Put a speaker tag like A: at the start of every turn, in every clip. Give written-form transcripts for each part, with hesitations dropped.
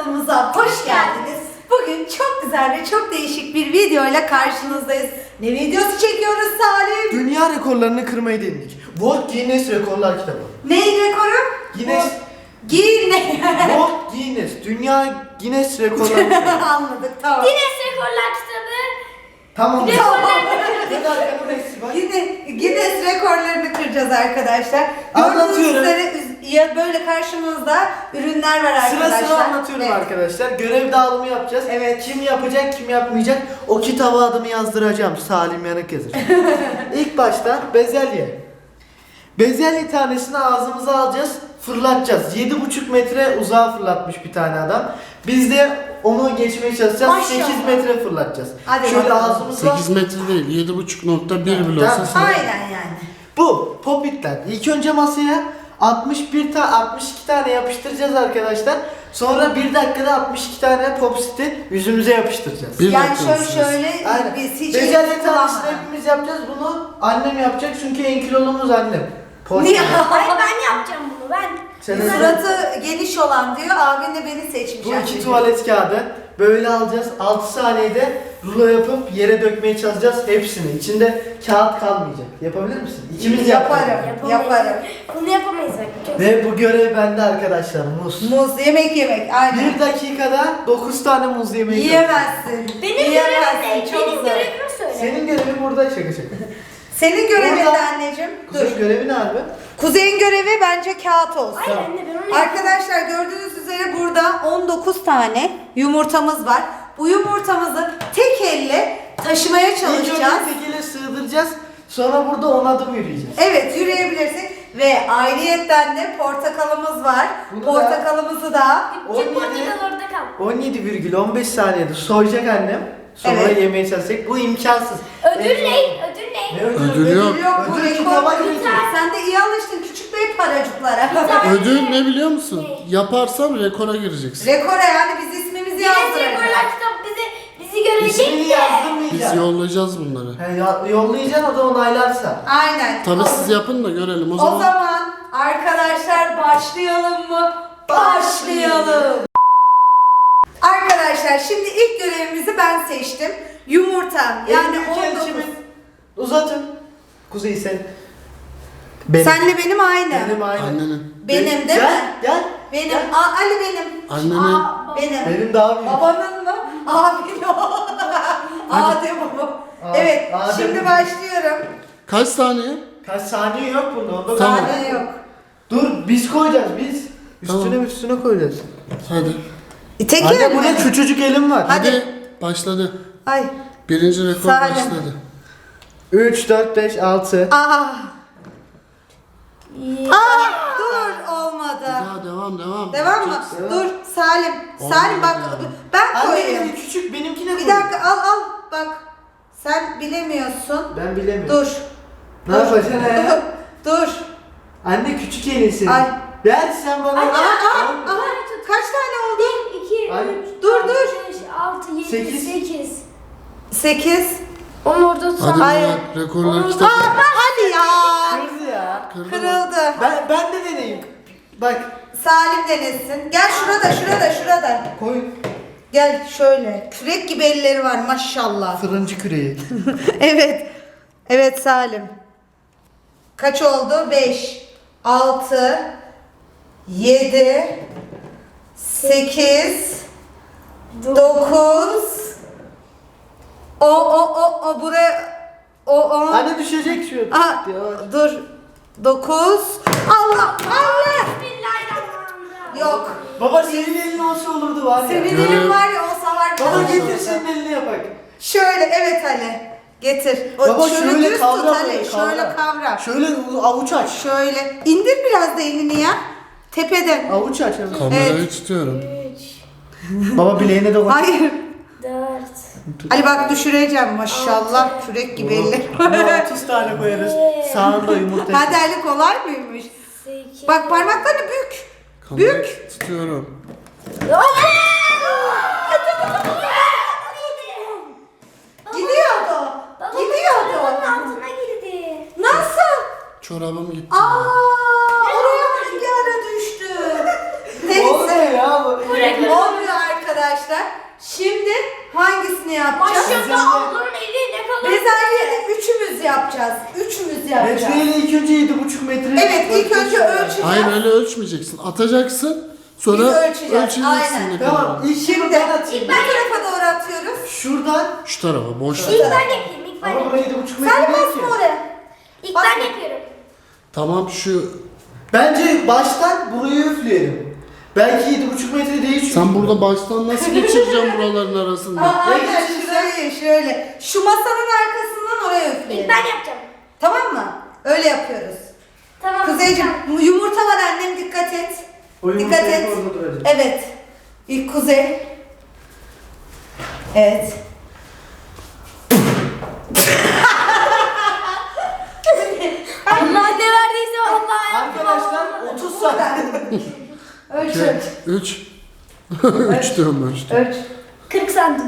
A: kanalımıza hoş geldiniz. Bugün çok güzel ve çok değişik bir videoyla karşınızdayız. Ne videosu çekiyoruz Salim?
B: Dünya rekorlarını kırmayı denedik. World Guinness Rekorlar kitabı.
A: Neyin rekoru?
B: Guinness.
A: World
B: Guinness. Dünya Guinness Rekorlar kitabı.
A: Anladık, tamam.
C: Guinness Rekorlar kitabı.
B: Tamam.
A: Guinness rekorlarını kıracağız arkadaşlar.
B: Anlatıyorum.
A: Gördüğünüz üzere ya böyle karşımızda ürünler var arkadaşlar.
B: Sıra sıra anlatıyorum
A: Evet.
B: arkadaşlar. Görev dağılımı yapacağız.
A: Evet.
B: Kim yapacak, kim yapmayacak. O kitaba adımı yazdıracağım. Salim Yanık yazır. İlk başta bezelye. Bezelye tanesini ağzımıza alacağız, fırlatacağız. 7,5 metre uzağa fırlatmış bir tane adam. Biz de onu geçmeye çalışacağız.
A: Maşallah.
B: 8 metre fırlatacağız.
A: Hadi
B: şöyle
A: bakalım.
B: ağzımızla.
D: 8 metre değil, 7,5.1 bile olsa
B: Tamam.
D: sen...
A: Aynen yani.
B: Bu popitler. İlk önce masaya 62 tane yapıştıracağız arkadaşlar. Sonra 1 dakikada 62 tane popsiti yüzümüze yapıştıracağız.
D: Bir
A: Yani
D: dakika
A: şöyle
B: Aynen.
A: biz hiç
B: Bezelye tanesini
A: kullanmadan.
B: hepimiz yapacağız. Bunu annem yapacak çünkü en kilolumuz annem.
A: Niye?
C: Hayır ben yapacağım bunu ben.
B: Senin
A: Suratı geniş olan diyor, abin de beni seçmiş.
B: Bu
A: yani.
B: 2 tuvalet kağıdı. Böyle alacağız. 6 saniyede rulo yapıp yere dökmeye çalışacağız hepsini. İçinde kağıt kalmayacak. Yapabilir misin? İkimiz
A: Yaparım.
B: yapalım.
A: Yaparım.
C: Bunu yapamayız bak. Çok
B: Ve bu görev bende arkadaşlar. Muz.
A: Muz, yemek, aynen.
B: 1 dakikada 9 tane muz yemeyi
A: Yiyemezsin.
C: Benim görevim
A: Yiyemezsin,
C: ne?
A: çok
C: Benim
A: zor.
C: görevimi söyle.
B: Senin görevin burada şaka şaka.
A: Senin görevin de
B: Burada-
A: anneciğim. Dur.
B: Kuzey görevi ne abi?
A: Kuzey'in görevi bence kağıt olsun.
C: Hayır anne ben onu yapayım.
A: Arkadaşlar gördüğünüz üzere burada 19 tane yumurtamız var. Bu yumurtamızı tek elle taşımaya
B: İlk
A: çalışacağız.
B: önce tekele sığdıracağız. Sonra burada 10 adım yürüyeceğiz.
A: Evet, yürüyebilirsin. Ve ayrıyetten de portakalımız var.
B: Bunu da-
A: portakalımızı da
C: Küçük portakal orada kal.
B: 17,15 saniyede soyacak annem. Sonra
A: Evet.
B: yemeye çalışacak. Bu imkansız.
C: Ödül ne? Ödül ne?
B: Ne ödülü?
D: Ödül yok.
A: ödül yok. Bu
B: Ödül
A: rekor.
B: kitaba girecek.
A: Sen de iyi alıştın küçük bey paracıklara.
D: Ödül ne biliyor musun? Yaparsan rekora gireceksin.
A: Rekora, yani biz ismimizi
C: Guinness
A: yazdıracağız.
C: Rekorlar kitabı bizi
B: İsmini
C: görecek de.
D: Biz
B: yazdırmayacağız.
D: yollayacağız bunları.
B: Yollayacaksın, o da onaylarsa.
A: Aynen.
D: Tabii siz yapın da görelim o
A: O
D: zaman.
A: zaman arkadaşlar başlayalım mı? Başlayalım. Arkadaşlar şimdi ilk görevimizi ben seçtim. Yumurta yani
B: En büyük
A: 19.
B: elçimin. Uzatın. Kuzey sen. Benim.
A: Senle benim aynı.
B: Benim aynı.
D: Annenin.
A: Benim değil
B: Gel,
A: mi?
B: Gel.
A: Benim.
B: Gel.
A: Ali benim.
D: Annenin.
A: Benim.
B: Benim daha büyük.
A: Babanın mı? Abin o. Adem o. Evet,
B: Adem.
A: şimdi başlıyorum.
D: Kaç saniye?
B: Kaç saniye yok bunda. Onda
D: Tamam.
A: Saniye yok.
B: Dur biz koyacağız biz. Üstüne
D: Tamam.
B: üstüne koyacağız.
D: Hadi.
A: Tek
B: Anne
A: el
B: burada
A: mi?
B: küçücük elim var.
A: Hadi.
D: Başladı.
A: Ay.
D: Birinci rekor
A: Salim.
D: başladı.
B: 3, 4, 5, 6.
A: Aa. Dur, olmadı.
D: Daha devam.
A: Devam mı?
D: Yapacaksın.
A: Dur Salim.
D: Olmadı
A: Salim bak
D: yani.
A: ben
B: Anne
A: koyayım.
B: benim küçük benimkine
A: Bir
B: koy.
A: dakika al bak. Sen bilemiyorsun.
B: Ben bilemiyorum.
A: Dur.
B: Ne yapacaksın he?
A: Dur.
B: Anne küçük elin senin.
A: Ay.
B: Ver sen bana.
C: Anne,
A: Aha, kaç tane oldu?
C: 1, 2,
B: Ay.
C: 3,
A: Dur,
C: 4,
A: dur.
C: 5, 6, 7,
B: Sekiz.
C: 8.
A: 8.
C: Onu orada
D: Hadi
C: tutar.
A: Hayır.
D: bunlar rekorlar
C: Onu-
D: kitabı.
A: Hadi ya.
B: Kırdı ya.
A: Kırıldı.
B: Ben de deneyeyim. Bak.
A: Salim denesin. Gel şurada.
B: Koy.
A: Gel şöyle. Kürek gibi elleri var maşallah.
B: Fırıncı küreği.
A: Evet. Evet Salim. Kaç oldu? 5, 6, 7, 8, 9. O buraya. O.
B: Anne düşecek şu.
A: Aa,
B: Yavaş.
A: dur. 9. Allah.
C: Bismillahirrahmanirrahim.
A: Yok.
B: Baba senin elin olsa olurdu var ya.
A: Senin
D: Görev-
A: elin var ya, olsa var.
B: Baba
A: kalır.
B: getir senin elini yapak.
A: Şöyle, evet Ali. Getir.
B: Baba şöyle
A: düz
B: kavra
A: tut Ali.
B: böyle,
A: Şöyle kavra.
B: Şöyle avuç aç.
A: Şöyle. İndir biraz da elini ya. Tepeden.
B: Avuç aç. Evet.
D: Kamerayı
A: Evet.
D: tutuyorum.
C: 3,
B: Baba bileğine de koy.
A: Hayır.
C: 4,
A: Ali bak düşüreceğim maşallah. Kürek gibi eller.
B: Buna 30 tane koyarız. Sağında yumurta.
A: Hadi Ali, kolay mıymış?
C: 8.
A: Bak parmaklarını bük.
D: Kamerayı tutuyorum.
A: Gidiyordu. Gidiyordu.
C: Altına girdi.
A: Nasıl?
D: Çorabım gitti.
A: Oraya hangi ara düştü?
B: Olmuyor
A: Neyse.
B: ya bu.
C: Bu rekor.
A: Olmuyor arkadaşlar. Şimdi hangisini yapacağız?
C: Maşallah ablanın eli ne kadar
A: Bezelyeyi üçümüz yapacağız. Üçümüz yapacağız.
B: Metreyle ilk önce 7,5 metre.
A: Evet, ilk önce ölçeceğiz.
D: Hayır öyle ölçmeyeceksin. Atacaksın. Sonra
A: Biz ölçeceğiz,
D: ölçeceksin
A: aynen.
D: ne kadar.
B: Tamam, ilk
A: Şimdi
B: ben atayım.
A: bu tarafa doğru atıyoruz.
B: Şuradan.
D: Şu tarafa boş
C: İlk
D: ver.
C: ben yapayım. İlk ben
B: Ama
C: yapayım.
B: buraya 7,5
A: Sen
B: metre değil
A: basma
B: ki.
A: oraya.
C: İlk
A: Basma.
C: ben yapıyorum.
D: Tamam şu
B: Bence baştan burayı üfleyelim. Belki 7,5 metre değil çünkü.
D: sen burada baştan nasıl geçireceksin buraların arasında?
A: Aynen şöyle. Şu masanın arkasından oraya
C: İlk
A: üfleyelim.
C: ben yapacağım.
A: Tamam mı? Öyle yapıyoruz.
C: Tamam.
A: Kuzeyciğim yumurta var annem, dikkat et.
B: O
A: Dikkat
B: yumurta
A: et.
B: hep orada duracak.
A: Evet. İlk Kuzey. Evet.
C: Allah ne verdiyse Allah
B: Arkadaşlar 30 saniye.
A: Ölç
D: 3 3 diyorum ben.
A: ölç.
C: 40 santim.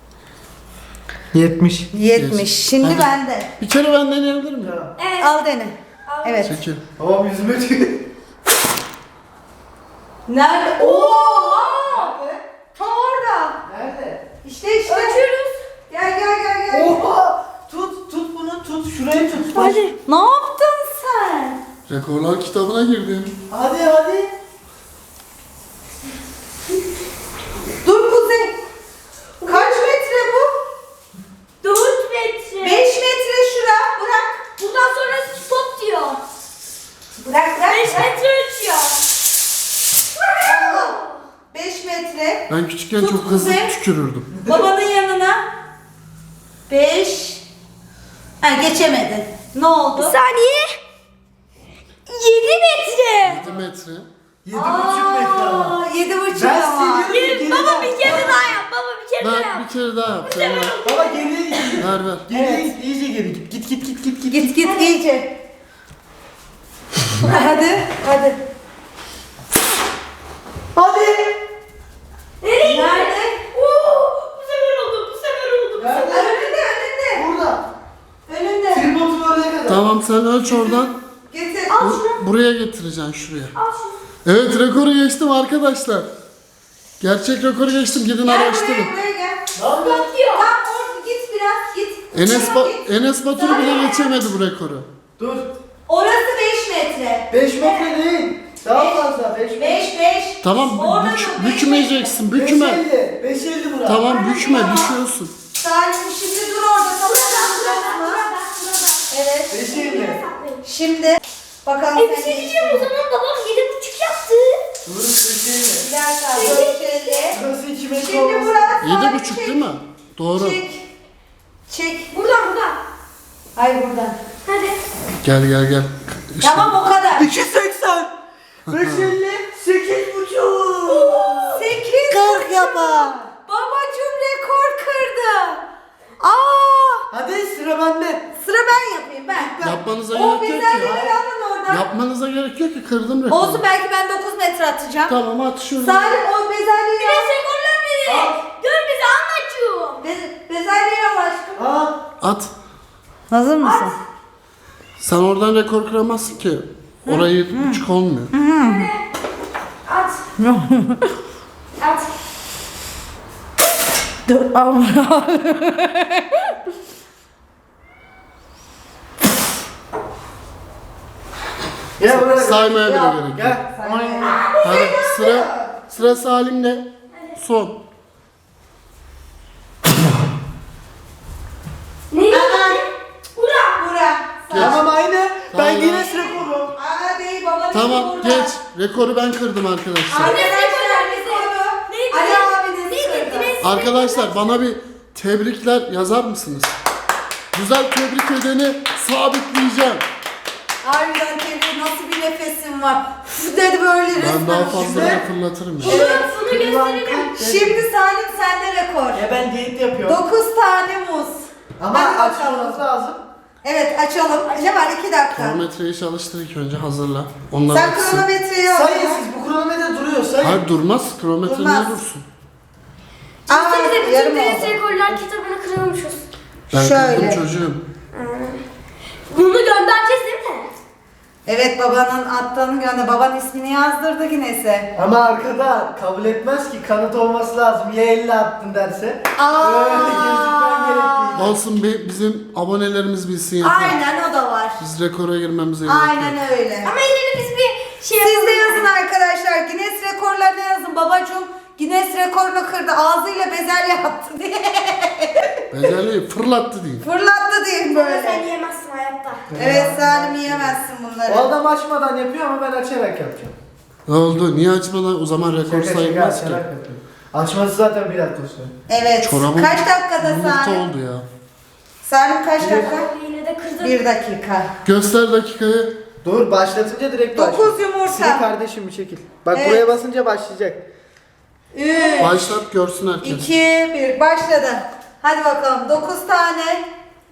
B: 70.
A: 70. Şimdi
D: Hadi.
A: bende.
D: Bir kere ben deneyebilir miyim?
C: Evet.
A: Al dene. Evet.
D: Çekil.
B: Tamam yüzüme tüy.
A: Nerede? Oha! Tam orada.
B: Nerede?
A: İşte.
C: Ölçüyoruz.
A: Gel.
B: Oha! Tut bunu tut. Şurayı tut.
C: Hadi.
A: Ne yaptın sen?
D: Rekorlar kitabına girdim.
B: Hadi.
A: Dur Kuzey. Kaç metre bu?
C: 4 metre.
A: 5 metre şura. Bırak.
C: Bundan sonra stop diyor.
A: Bırak.
C: 5 metre ölçüyor.
A: Allah. 5 metre.
D: Ben küçükken
A: Tut
D: çok hızlı
A: Kuzey.
D: tükürürdüm.
A: Babanın yanına. 5. Ha geçemedin. Ne oldu?
C: Saniye. 7 metre.
D: 7 metre.
B: 7,5 metre ama.
A: 7,5
B: Ben
A: ama.
B: seviyorum.
C: Baba bir kere daha yap. Baba bir kere daha
D: Ver
C: yap.
D: bir kere daha yap. Sen ver.
B: Baba geriye git.
D: Ver.
B: Geriye git. İyice geri git. Git.
A: Git iyice. Hadi.
B: Hadi.
C: Nereye
A: Nerede?
C: gitti? Oo, bu sefer oldu.
B: Nerede?
A: Önünde.
B: Burada.
A: Önünde.
B: Tripodun oraya kadar.
D: Tamam sen ölç oradan.
A: Getir.
D: Buraya getireceksin şuraya.
C: Al şunu.
D: Evet rekoru geçtim arkadaşlar. Gerçek rekoru geçtim. Gidin
A: Gel
D: araştırın.
A: buraya gel.
B: Ne yapıyorsun?
C: Stop diyor.
A: Tam orada git biraz git.
D: Enes Batur bile geçemedi bu rekoru.
B: Dur.
A: Orası 5 metre.
B: 5 metre değil. Daha fazla. 5 metre.
A: 5.
D: Tamam
A: Orada da
D: bükmeyeceksin. Bükme.
B: 5.50 burası.
D: Tamam bükme düşüyorsun.
A: Salim şimdi dur orada. Tamam mı? Evet.
B: 5.50.
A: Şimdi bakalım
C: Bir
A: sen
C: şey diyeceğim o zaman babam 7,5 yaptı.
B: Burası 5.50.
A: Bir dakika. 450.
B: Burası 2 metre
A: Şimdi
B: olması.
A: burası
D: 7,5 değil mi? Doğru.
A: Çek.
C: Buradan.
A: Hayır buradan.
C: Hadi.
D: Gel. İşte.
A: Tamam o kadar.
B: 2.80. 5.50. 8.5.
A: 8. 40 yapar. Babacım rekor kırdı. Aa!
B: Hadi sıra bende.
A: Sıra ben yapayım ben.
D: Yapmanıza
A: O
D: gerek yok
A: bezelyeleri
D: ki.
A: alın oradan.
D: Yapmanıza gerek yok ki kırdım rekoru.
A: Olsun belki ben 9 metre atacağım.
D: Tamam at şunu.
A: Salim o bezelyeyi
C: Biraz
A: al.
C: rekorlar verin. Gör bizi anlatıyor.
A: Bezelyeyi al aşkım.
B: Aa.
D: At.
A: Hazır mısın?
D: Sen oradan rekor kıramazsın ki. Orayı 7,5 olmuyor.
C: At. At.
A: Dur al.
B: Gel buraya.
D: Saymaya bile
B: Gel.
D: gerek yok.
B: Gel.
D: Hadi sıra Salim'de. Son.
C: Ne? Bura.
A: Bura.
B: Tamam aynı. Ben
D: Tamam.
B: yine sıra kururum.
A: Aa değil baba.
D: Tamam
A: burada.
D: geç. Rekoru ben kırdım arkadaşlar.
A: Arkadaşlar rekoru
C: Neydi?
A: Ali abiniz
C: Neydi?
A: kırdı.
D: Arkadaşlar bana bir tebrikler yazar mısınız? Güzel tebrik edeni sabitleyeceğim.
A: Harbiden tebrik nasıl bir nefesin var. Üf dedi böyle resmen.
D: Ben daha fazla
B: Şimdi-
D: fırlatırım ya.
C: Şunu gösterelim.
A: Şimdi Salim sende rekor.
B: Ya ben diyet yapıyorum.
A: 9 tane muz.
B: Ama
A: Hadi bakalım.
B: açmamız lazım.
A: Evet açalım. Ne var 2 dakika.
D: Kronometreyi çalıştır ilk önce hazırla. Onlar
A: Sen
D: bitsin.
A: kronometreyi al.
B: Sayın siz bu kronometre duruyor sayın.
D: Hayır durmaz. Kronometre
A: Durmaz.
D: niye dursun?
A: Aa,
C: Biz de
A: yarım
C: bütün Guinness
A: oldu.
C: Rekorlar kitabını kırılmışız.
D: Ben
A: Şöyle.
D: kırdım çocuğum.
C: Bunu göndereceğiz değil mi?
A: Evet, babanın attığını gönder. Baban ismini yazdırdı Guinness'e.
B: Ama arkada kabul etmez ki, kanıt olması lazım. Ya 50 attın derse.
A: Aa.
B: Öyle gözükmen gerekli.
D: Olsun bizim abonelerimiz bilsin yeter.
A: Aynen, o da var.
D: Biz rekora girmemize gerek yok.
A: Aynen öyle.
C: Ama yine de biz bir şey
A: Siz de
C: yapalım.
A: yazın arkadaşlar. Guinness rekorlarına yazın. Babacığım Guinness rekorunu kırdı. Ağzıyla bezelye attı diye.
D: Bezelyeyi fırlattı diyeyim.
A: Fırlattı diye
C: Sen
A: böyle.
C: yiyemezsin hayatta.
A: Evet Salim, yiyemezsin bunları.
B: O adam açmadan yapıyor ama ben açarak yapacağım.
D: Ne oldu? Niye açmadan? O zaman rekor sayılmaz ki.
B: açarak yapıyorum. Açması zaten bir dakika sonra.
A: Evet.
D: Çorabım
A: Kaç dakikada
D: yumurta
A: Salim?
D: oldu ya.
A: Salim kaç dakika?
C: Yine de kırdın.
A: 1 dakika.
D: Göster dakikayı.
B: Dur, başlatınca direkt
A: 9
B: başlıyor.
A: yumurta.
B: Sil kardeşim, bir çekil. Bak
A: Evet.
B: buraya basınca başlayacak.
A: 3,
D: Başlat görsün herkes.
A: 2, 1. Başladı. Hadi bakalım. 9 tane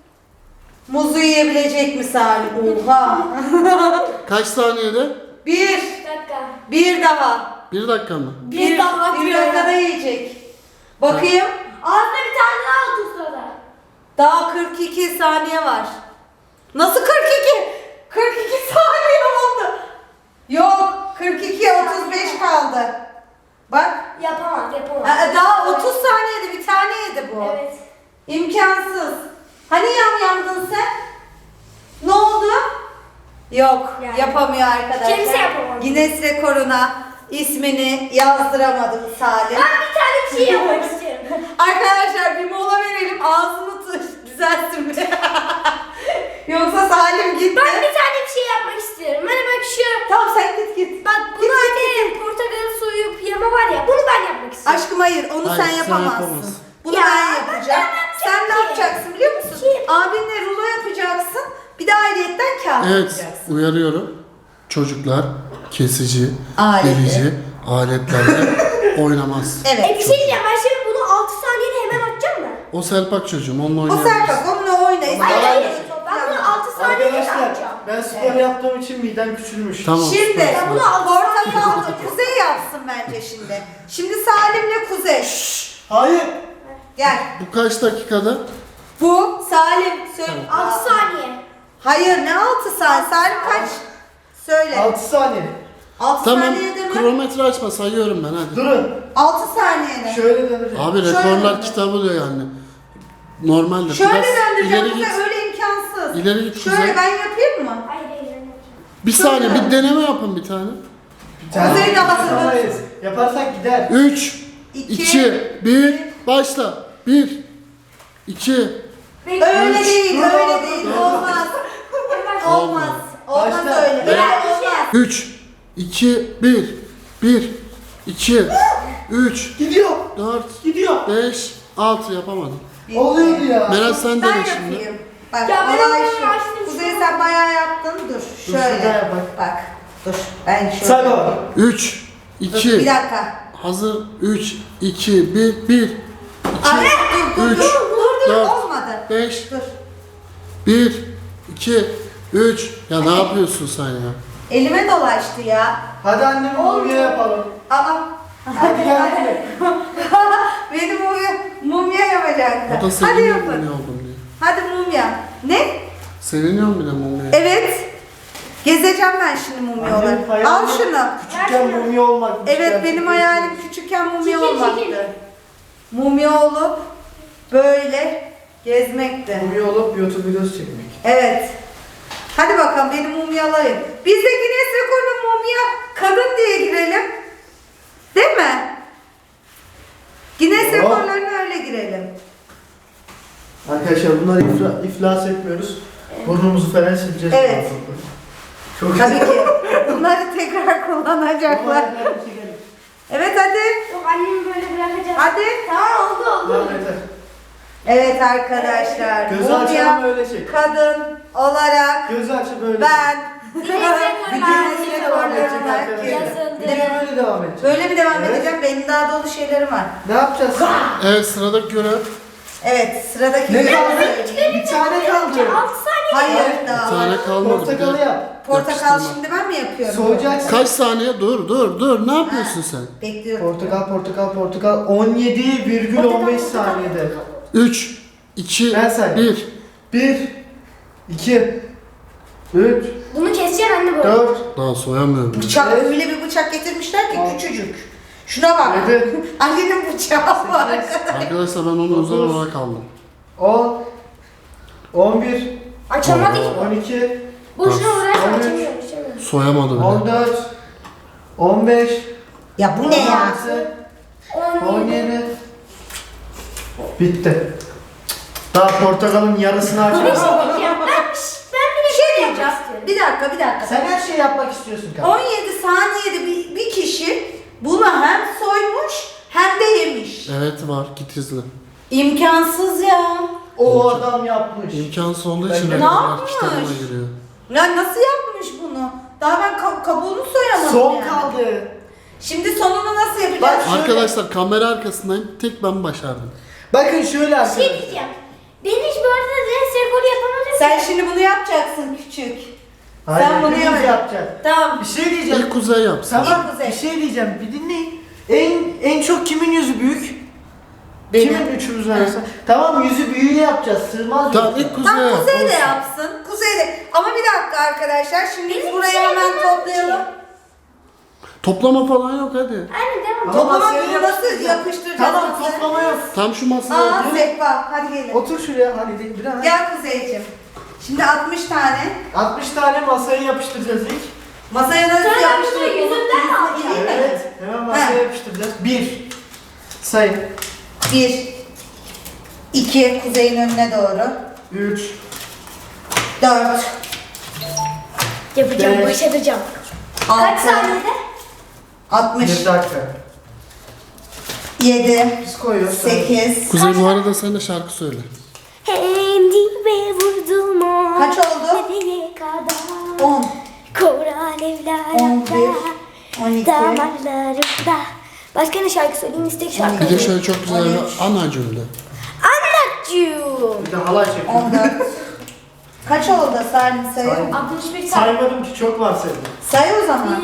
A: muzu yiyebilecek mi Salim? Oha.
D: Kaç saniyede?
A: 1.
C: Bir dakika.
A: Bir daha.
D: 1 dakika mı?
C: Bir daha
A: Bir
C: atıyor
A: dakikada
C: ya.
A: yiyecek. Bakayım.
C: Ağzına bir tane daha at o sırada.
A: Daha 42 saniye var. Nasıl 42? 42 saniye oldu. Yok, 42 35 kaldı. Bak.
C: Yapamaz.
A: Daha 30 saniyede bir tane yedi bu.
C: Evet.
A: İmkansız. Hani yandın sen? Ne oldu? Yok,
C: Yani.
A: yapamıyor arkadaşlar.
C: Kimse yapamadı.
A: Guinness rekoruna ismini yazdıramadım Salim.
C: Ben bir tane bir şey yapmak istiyorum.
A: Arkadaşlar bir mola verelim, ağzını düzeltsin bir. Yoksa Salim gitti.
C: Ben bir tane bir şey yapmak istiyorum. Hani bak şu.
A: Tamam sen git.
C: Bak bunu hani portakal soyup yeme var ya. Bunu ben yapmak istiyorum.
A: Aşkım hayır, onu
D: Hayır,
A: sen
D: sen
A: yapamazsın.
D: yapamazsın.
A: Bunu
C: Ya,
A: ben yapacağım.
C: ben
A: Sen ne
C: ki.
A: yapacaksın biliyor musun?
C: Şey-
A: Abinle rulo yapacaksın. Bir de ayrıyetten kağıt
D: Evet,
A: yapacaksın.
D: uyarıyorum. Çocuklar kesici,
A: Aleti.
D: delici aletlerle oynamaz.
A: Evet.
C: Bir şey diyeceğim. Ben şimdi bunu 6 saniyede hemen atacağım mı?
D: O Selpak çocuğum, onunla
A: O
D: oynayabiliriz.
A: Serpak onunla oyna.
C: Hayır
A: İstersen
C: hayır.
A: de topla.
C: Ben bunu 6 saniyede
B: Arkadaşlar,
C: atacağım.
B: ben spor yaptığım için midem küçülmüş.
D: Tamam.
A: Şimdi
D: süper.
C: Ben bunu altı
A: portakallı Kuzey yapsın bence şimdi. Şimdi Salim'le Kuzey.
B: Hayır.
A: Gel.
D: Bu kaç dakikada?
A: Bu Salim. Söyle.
C: 6 saniye.
A: Hayır ne 6 saniye? Salim kaç? Söyle.
B: 6 saniye.
A: 6
D: Tamam,
A: saniyede mi?
D: kronometre açma, sayıyorum ben hadi.
B: Durun.
A: 6 saniyede.
B: Şöyle döneceğim.
D: Abi
A: Şöyle
D: rekorlar
A: mi?
D: kitabı diyor yani. Normalde
A: Şöyle
D: biraz
A: döndüreceğim
D: ileri git.
A: Kuzey, öyle imkansız.
D: İleri git
A: Şöyle
D: Kuzey.
A: ben yapayım mı?
C: Hayır hayır.
D: Bir saniye bir deneme yapın bir tane.
B: Bir tane
A: Kuzey de hazır.
B: yapamayız. Yaparsak gider.
D: 3,
A: İki,
D: 2, 1, başla. 1, 2,
A: Öyle değil,
B: Dur,
A: öyle
B: dur,
A: değil.
B: dur.
A: Olmaz. Olmaz. Olmaz
B: Başla.
A: öyle.
B: Evet.
A: Olmaz.
D: 3, 2, 1, 1, 2, 3,
B: Gidiyor.
D: 4,
B: Gidiyor.
D: 5, 6 yapamadım.
B: Oluyordu ya.
D: Meral sen
A: Ben
D: dene şimdi.
A: yapayım. Bak
C: Ya ben
A: olay
C: onu
A: şu.
C: açtım
A: Kuzey
C: şu
A: sen
C: an.
A: bayağı yaptın. Dur.
B: Dur,
A: Şöyle.
B: şurada yap bak.
A: Bak. Dur. Ben şöyle.
B: Say baba.
D: 3,
A: Dur,
D: 2,
A: bir dakika.
D: hazır. 3, 2, 1, 1, 2,
A: Abi dur
D: Üç,
A: dur
D: dört,
A: olmadı.
D: 5,
A: Dur.
D: 1, 2, 3. Ya ne yapıyorsun sen ya?
A: Elime dolaştı ya.
B: Hadi annem mumya yapalım.
A: Aa.
B: Hadi gel.
A: Benim mumya yapacaktı.
D: O da
A: Hadi
D: seviniyor
A: yapın.
D: mumya oldum diye.
A: Hadi mumya. Ne?
D: Seviniyor bile mumya.
A: Evet. Gezeceğim ben şimdi mumyaları.
B: Annem hayalim-
A: Al şunu.
B: Küçükken mumya olmak.
A: Evet benim hayalim küçükken mumya
C: Çekil,
A: olmaktı.
C: çekil.
A: Mumya olup böyle gezmekti.
B: Mumya olup YouTube videosu çekmek.
A: Evet. Hadi bakalım benim mumyalayın. Biz de Guinness Rekor'un mumya kadın diye girelim. Değil mi? Guinness
B: Oh.
A: Rekorlarına öyle girelim.
B: Arkadaşlar bunları iflas etmiyoruz. Burnumuzu falan sileceğiz.
A: Evet.
B: Çok
A: Tabii ki. Bunları tekrar kullanacaklar. Evet hadi.
C: Yok annemi böyle bırakacağım.
A: Hadi.
C: Tamam oldu.
B: Tamam yeter.
A: Evet arkadaşlar.
B: Gözü açalım
A: Mumya
B: öyle çek.
A: kadın olarak
B: Gözü açıp böyle
A: ben
C: Guinness Rekorlar
A: Guinness
B: devam edecek
A: Rekorlarına
B: arkadaşlar.
C: yazıldı.
B: Video böyle devam edecek.
A: böyle mi devam
B: Evet.
A: edeceğim? Benim daha dolu şeylerim var.
B: Ne yapacağız?
D: Evet sıradaki görev.
A: Evet sıradaki
B: Ne
A: görev-
B: kaldı? Bir tane kaldı.
C: 6 saniye.
A: Hayır
D: Bir
A: daha var.
D: tane kalmadı.
B: Portakalı
D: bir de.
B: yap.
A: Portakal
D: Yapıştırma.
A: şimdi ben mi yapıyorum?
B: Soğuyacaksın.
D: Kaç saniye? Dur. Ne yapıyorsun sen?
A: Bekliyorum.
B: Portakal 17,15 saniyede.
D: 3, 2,
B: Ben sayayım.
D: 1.
B: 1 2 3
C: Bunu keseceğim anne bu.
B: 4,
D: Daha soyamıyorum.
A: Bıçak
B: Evet.
A: öyle bir bıçak getirmişler ki küçücük. Şuna bak.
B: Yedi.
A: Ali'nin bıçağı var.
D: Arkadaşlar ben onu özel
B: Dokuz.
D: olarak aldım.
B: 10, 11,
C: Açamadı ki.
B: 12,
C: Boşuna uğraşma
B: On üç.
C: açamıyorum. Açamıyorum.
D: Soyamadı bile.
B: 14, 15,
A: Ya bu ne ya?
B: 16, 17. Bitti. Daha portakalın yarısını
C: Bir şey
B: açmadım.
C: diyeceğim. Ben bir
A: Bir şey
C: yapmak
A: diyeceğim.
C: istiyorum.
A: Bir dakika.
B: Sen her şeyi yapmak istiyorsun kanka.
A: 17 saniyede bir kişi bunu hem soymuş hem de yemiş.
D: Evet var, git izle.
A: İmkansız ya.
B: O adam yapmış.
D: İmkansız olduğu
B: Ben
D: için
B: de-
A: Ne
D: rekorlar
A: yapmış?
D: kitabına giriyor.
A: Ya nasıl yapmış bunu? Daha ben kabuğunu soyamadım
B: Son
A: yani.
B: kaldı.
A: Şimdi sonunu nasıl yapacağız?
B: Bak şöyle.
D: Arkadaşlar kamera arkasındayım. Tek ben başardım.
B: Bakın şöyle
C: Bir şey
B: arkadaşlar.
C: diyeceğim. Ben hiç bu arada Guinness rekoru yapamadım.
A: Sen şimdi bunu yapacaksın küçük.
B: Hayır,
A: Sen bunu
B: hepimiz
A: yap.
B: yapacağız.
A: Tamam.
B: Bir şey diyeceğim.
D: İlk Kuzey yapsın.
B: Tamam,
A: İlk Kuzey.
B: bir şey diyeceğim. Bir dinleyin. En çok kimin yüzü büyük?
A: Benim.
B: Kimin üçümüzün arasında? Tamam, yüzü büyüğü yapacağız. Sığmaz
D: Tamam
B: yoksa.
D: ilk Kuzey
A: Tam
D: yap.
A: Kuzey de yapsın. Kuzey de. Ama bir dakika arkadaşlar. Şimdi biz burayı hemen toplayalım.
D: Toplama falan yok hadi.
C: Aynen devam.
B: Ama
A: Toplama
B: masaya
A: bunu nasıl
B: yapıştıracağız.
A: yapıştıracağız?
B: Tamam,
A: masaya?
B: toplama yok.
D: Tam şu masaya
A: Aa
D: otur.
A: Zekba. Hadi gelin.
B: Otur şuraya hadi değil biraz.
A: Gel Kuzeyciğim. Şimdi 60 tane.
B: 60 tane masaya yapıştıracağız ilk.
A: Masaya nasıl
C: Sonra ben bunu
A: yapıştırıyoruz?
C: yüzünden mi alacağım?
B: Evet. Hemen masaya
A: He.
B: yapıştıracağız. 1. Sayın.
A: 1 2 Kuzey'in önüne doğru.
B: 3.
A: 4
C: Yapacağım,
B: Beş.
C: başaracağım.
A: 6
C: Kaç saniyede?
A: 60
B: 1 dakika.
A: 7
B: Biz koyuyoruz.
A: 8
D: Kuzey bu arada sen de şarkı söyle.
C: Hem dibe vurdum o.
A: Kaç oldu?
C: Nereye kadar?
A: 10
C: Kor alevler
A: 11
C: yakar.
A: 12
C: Damarlarımda. Başka ne şarkı söyleyeyim? İstek şarkı.
D: Bir de şöyle çok güzel bir
A: 13.
D: ana cümle.
C: Anlatcığım.
B: Bir de halay çekiyor.
A: 14 Kaç oldu Salim sayı?
B: Say.
C: 61
B: Saymadım ki, çok var senin.
A: Say o zaman.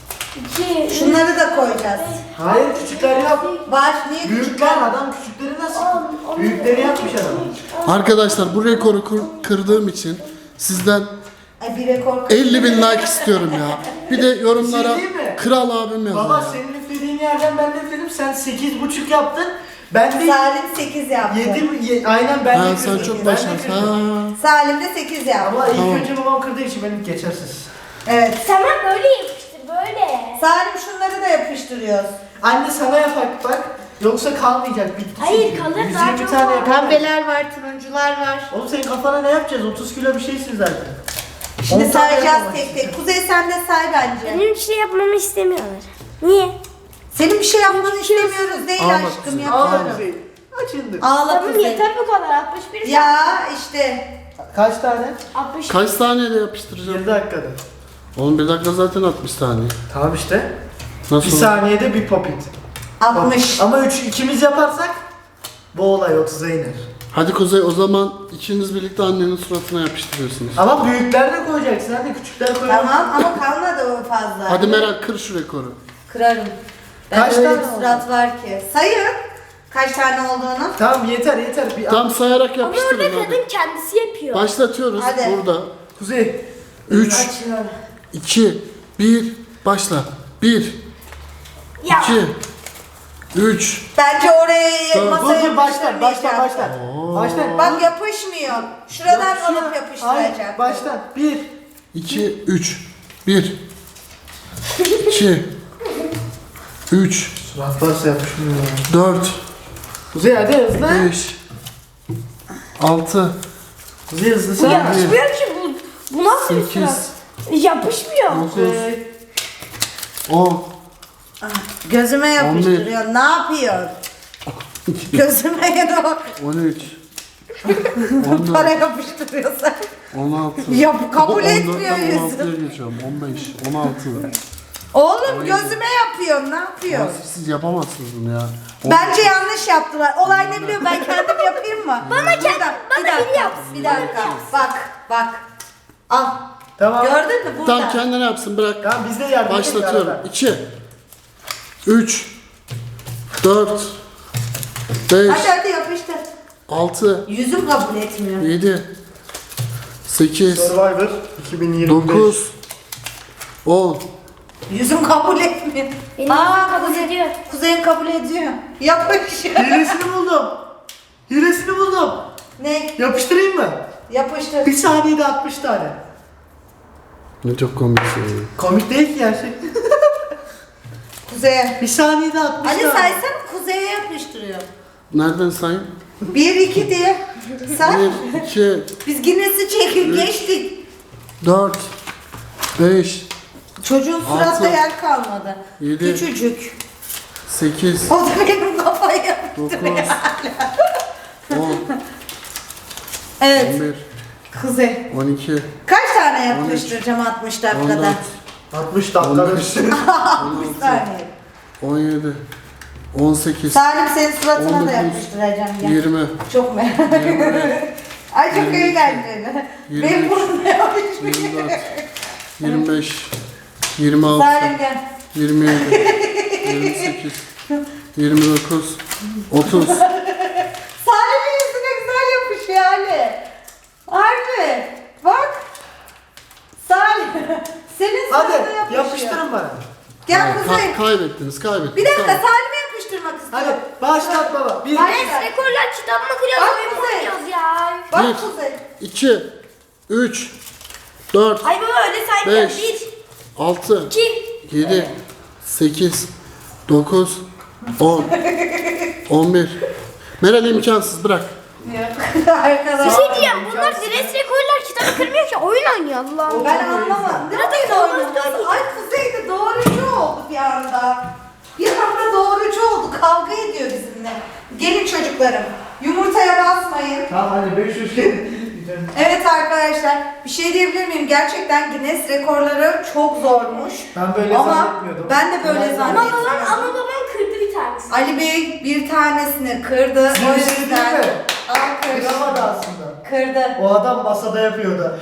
C: 1, 2,
A: Şunları da koyacağız.
B: Hayır, küçükler yap.
A: Var niye
B: Büyükler,
A: küçükler?
B: adam küçükleri nasıl? Büyükleri yapmış adam.
D: Arkadaşlar bu rekoru kırdığım için sizden
A: Ay bir rekor.
D: 50.000 like istiyorum ya. Bir de yorumlara
B: Bir şey diyeyim mi?
D: kral abim yazın.
B: Baba
D: ya.
B: senin üflediğin yerden ben de üfledim. Sen 8,5 yaptın. Ben de
A: Salim 8 yaptı.
B: 7, aynen ben de
D: Ha,
B: kırdım.
D: sen çok
B: Ben de
D: başarısın.
B: kırdım.
D: Ha.
A: Salim de 8 yaptı.
B: Ama ilk
D: Tamam.
B: önce babam kırdığı için benim geçersiz.
A: Evet.
C: Tamam böyle yapıştır böyle.
A: Salim şunları da yapıştırıyoruz.
B: Anne sana yapak bak. Yoksa kalmayacak, bitti.
C: Hayır,
B: çünkü.
C: kalır,
B: 120
C: daha çok
B: tane
C: var.
B: yapar.
A: Pembeler var, turuncular var.
B: Oğlum senin kafana ne yapacağız? 30 kilo bir şeysin zaten.
A: Şimdi
B: 10 tane
A: sayacağız
B: yapamazsın.
A: tek tek. Kuzey sen de say bence.
C: Benim bir şey yapmamı istemiyorlar. Niye?
A: Senin bir şey yapmanı istemiyoruz değil
D: Ağla
A: aşkım
D: kızım.
A: ya.
B: Ağla Kuzey. Açıldı.
A: Ağla
C: Tamam
A: Kuzey.
C: yeter bu kadar. 61
A: Ya işte.
B: Kaç tane?
C: 60.
D: Kaç saniyede yapıştıracağım?
B: 1 dakikada.
D: Oğlum bir dakika zaten 60 saniye.
B: Tamam işte.
D: Nasıl?
B: 1 saniyede bir popit.
A: 60.
B: Ama ikimiz yaparsak bu olay 30'a iner.
D: Hadi Kuzey o zaman ikiniz birlikte annenin suratına yapıştırıyorsunuz.
B: Ama büyükler de koyacaksın, hadi küçükler koyalım.
A: Tamam ama kalmadı o fazla.
D: Hadi Meral kır şu rekoru.
A: Kırarım. Ben
B: Kaç
A: öyle
B: tane
A: bir
B: oldu?
A: surat var ki. Sayın. Kaç tane olduğunu.
B: Tamam yeter. Bir
D: Tam sayarak
C: Ama orada
D: yapıştırın
C: kadın
D: hadi.
C: kendisi yapıyor.
D: Başlatıyoruz
A: Hadi.
D: burada.
B: Kuzey.
D: 3,
A: Açıyorum.
D: 2, 1, başla. 1,
C: Ya.
D: 2, 3,
A: Bence oraya
D: Tamam,
A: masaya
B: Dur baştan.
A: yapıştırmayacağım.
B: Baştan.
A: Bak yapışmıyor. Şuradan
B: Yapışıyor.
A: alıp yapıştıracak.
B: Hayır, baştan. 1.
D: 2, 3, 1, 2, 3,
B: Surat varsa yapışmıyor.
D: 4,
B: Kuzey hadi hızlı.
D: 5, 6,
B: Kuzey hızlı
C: Bu
B: sen.
C: yapışmıyor ki bu. Bu nasıl bir
D: 8,
C: surat? Yapışmıyor.
D: 9, 10,
A: Gözüme yapıştırıyor. Ne yapıyor? Gözüme ya da
D: 13,
A: para
D: 14,
A: yapıştırıyorsa.
D: 16,
A: Yap, kabul
D: 14'ten
A: etmiyor yüzüm.
D: 16'ya geçiyorum. 15, 16.
A: Oğlum gözüme yapıyor. Ne yapıyor?
D: Ya siz yapamazsınız bunu ya.
A: Bence yanlış yaptılar. Olay ne biliyor? Ben kendim yapayım mı? Bana
C: biri yapsın,
A: Bir
C: bana
A: dakika.
C: biri
A: Bak. Al.
B: Tamam.
A: Gördün mü burada?
D: Tam kendine yapsın bırak.
B: Tamam biz de yardım
D: Başlatıyorum.
B: edelim
D: 2, 3, 4, 5,
A: Hadi yapıştır.
D: 6,
A: Yüzüm kabul etmiyor.
D: 7, 8,
B: Survivor 2025.
D: 9, 10.
A: Yüzüm kabul etmiyor.
C: Benim kabul ediyor.
A: Kuzey'in kabul ediyor. Yapış.
B: Hilesini buldum. Hilesini buldum.
A: Ne?
B: Yapıştırayım mı?
A: Yapıştır.
B: Bir saniyede 60 tane.
D: Ne çok komiksin.
B: Komik değil ki gerçek.
A: Kuzey'e.
B: Bir saniyede 60
A: Ali
B: tane.
A: saysana, Kuzey'e yapıştırıyor.
D: Nereden sayayım?
A: 1, 2 diye. Say.
D: 1, 2,
A: Biz Guinness'i çekip geçtik.
D: 4, 5,
A: Çocuğun suratta
D: Altı.
A: yer kalmadı.
D: 7,
A: Küçücük.
D: 8,
A: O da benim kafayı
D: 9,
A: yapıştırıyor.
D: 10,
A: Evet.
D: 11,
A: Kuzey.
D: 12,
A: Kaç tane yapıştıracağım 60 dakikada?
D: 14,
B: 60 dakikada
D: 15,
B: üstüne.
A: 60 saniye.
D: 17, 18,
A: Salim senin suratına da
D: 19,
A: yapıştıracağım. Gel.
D: 20,
A: Çok merak ediyorum. Ay çok eğlenceli.
D: 22,
A: Benim burnumda yapışmış.
D: 24, 25, 26,
A: Salim gel.
D: 27, 28, 29, 30.
A: Salim'in yüzüne güzel yapışıyor Ali. Harbi. Bak. Salim. Senin suratına
B: Hadi
A: yapışıyor.
B: yapıştırın bana.
A: Gel Kuzey.
D: Kaybettiniz.
A: Bir dakika Salim'e yapıştırmak
B: Hadi
A: istiyorum.
B: başlat baba. Bir,
A: Hayır.
C: Guinness rekorlar kitabını kırıyoruz.
A: Bak
C: Oyun
A: Kuzey.
C: oynuyoruz ya.
A: Bak
D: 1,
A: Kuzey.
D: 2, 3, 4,
C: Ay baba öyle saymıyor.
D: 5,
C: 1,
D: 6,
C: 2,
D: 7, 8, 9, 10, 11. Meral imkansız bırak.
A: Arkadaşlar.
C: Bir şey diyeceğim. Bunlar Guinness rekorlar kitabı kırmıyor ki. Oyun oynuyor Allah.
A: Ben anlamadım. Ne oyun oynaması? Ay Kuzey de doğrucu oldu bir anda. Bir anda doğrucu oldu. Kavga ediyor bizimle. Gelin çocuklarım. Yumurtaya basmayın.
B: Tamam hadi 500 kere.
A: Evet arkadaşlar. Bir şey diyebilir miyim? Gerçekten Guinness rekorları çok zormuş.
B: Ben böyle
A: Ama
B: zannetmiyordum.
A: ben de böyle
B: Ben-
C: Ama
A: zannetmiyorum.
C: babam kırdı bir tanesini.
A: Ali Bey bir tanesini kırdı.
B: Size
A: O
B: bir şey
A: yüzden
B: diyeyim mi?
A: alkış.
B: Kıramadı aslında.
A: Kırdı.
B: O adam masada yapıyordu.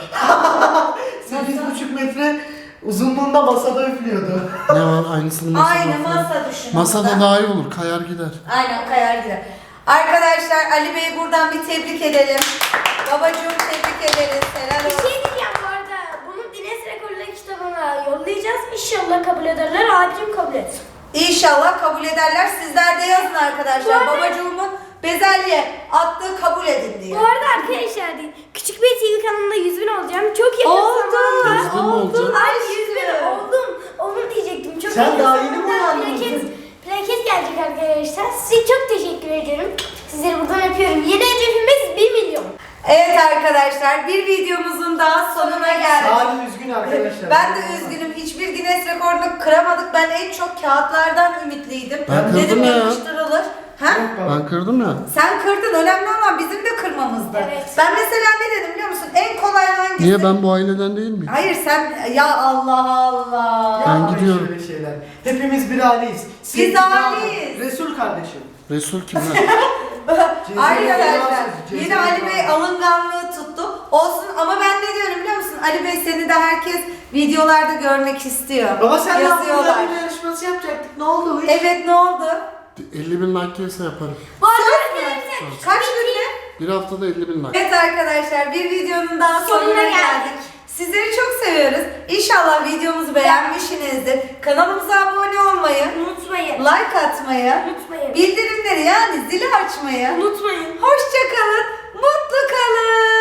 B: 8,5 metre uzunluğunda masada üflüyordu.
D: Ne var aynısını masada.
A: Aynı masa düşünün.
D: Masada daha iyi olur. Kayar gider.
A: Aynen kayar gider. Arkadaşlar Ali Bey'i buradan bir tebrik edelim. Babacığım tebrik ederiz. Helal
C: Bir
A: olsun.
C: şey diyeceğim bu arada. Bunu Guinness rekorlar kitabına yollayacağız. İnşallah kabul ederler. Abicim kabul etsin.
A: İnşallah kabul ederler. Sizler de yazın arkadaşlar.
C: Bu arada-
A: Babacığımın bezelye attığı kabul edin diye.
C: Bu arada arkadaşlar Küçük bir TV kanalında 100.000 olacağım. Çok yakın zamanda.
D: 100.000 mi olacaksın?
C: Ay 100.000 oldum. Onu diyecektim. Çok
B: Sen
C: yakın
B: daha yeni mi
C: zamanda
B: uyandın?
C: plaket gelecek arkadaşlar. Size çok teşekkür ederim. Sizleri buradan öpüyorum. Yeni hedefimiz 1 milyon.
A: Evet arkadaşlar bir videomuzun daha sonuna geldik.
B: Salim üzgün arkadaşlar.
A: Ben de üzgünüm. Hiçbir Guinness rekorunu kıramadık. Ben en çok kağıtlardan ümitliydim.
D: Ben
A: Dedim
D: kırdım ya.
A: yapıştırılır. Ha?
D: Ben kırdım ya.
A: Sen kırdın. Önemli olan bizim de kırmamızdı.
C: Evet.
A: Ben mesela ne dedim biliyor musun? En kolay hangisi?
D: Niye ben bu aileden değil miyim?
A: Hayır sen ya Allah Allah.
D: Ben
B: Yapmayın
D: gidiyorum.
B: şöyle şeyler. Hepimiz bir aileyiz.
A: aileyiz.
B: Resul kardeşim.
D: Resul kim lan?
A: Arkadaşlar
B: Cezayir
A: yine Ali Bey
B: Fransız.
A: alınganlığı tuttu. Olsun ama ben ne diyorum biliyor musun? Ali Bey seni de herkes videolarda görmek istiyor.
B: Baba sen
A: yazıyorlar.
B: bir yarışması yapacaktık. Ne oldu?
A: Evet ne oldu?
D: 50.000 like gelirse yaparım.
C: Bu arada
A: Söz mü?
C: arkadaşlar
A: Kaç günde?
D: Bir haftada 50.000 like.
A: Evet arkadaşlar bir videonun daha sonuna geldik. Sizleri çok seviyoruz. İnşallah videomuzu beğenmişsinizdir. Kanalımıza abone olmayı,
C: unutmayın.
A: like atmayı,
C: Unutmayın.
A: bildirimleri yani zili açmayı.
C: Unutmayın.
A: Hoşça kalın, mutlu kalın.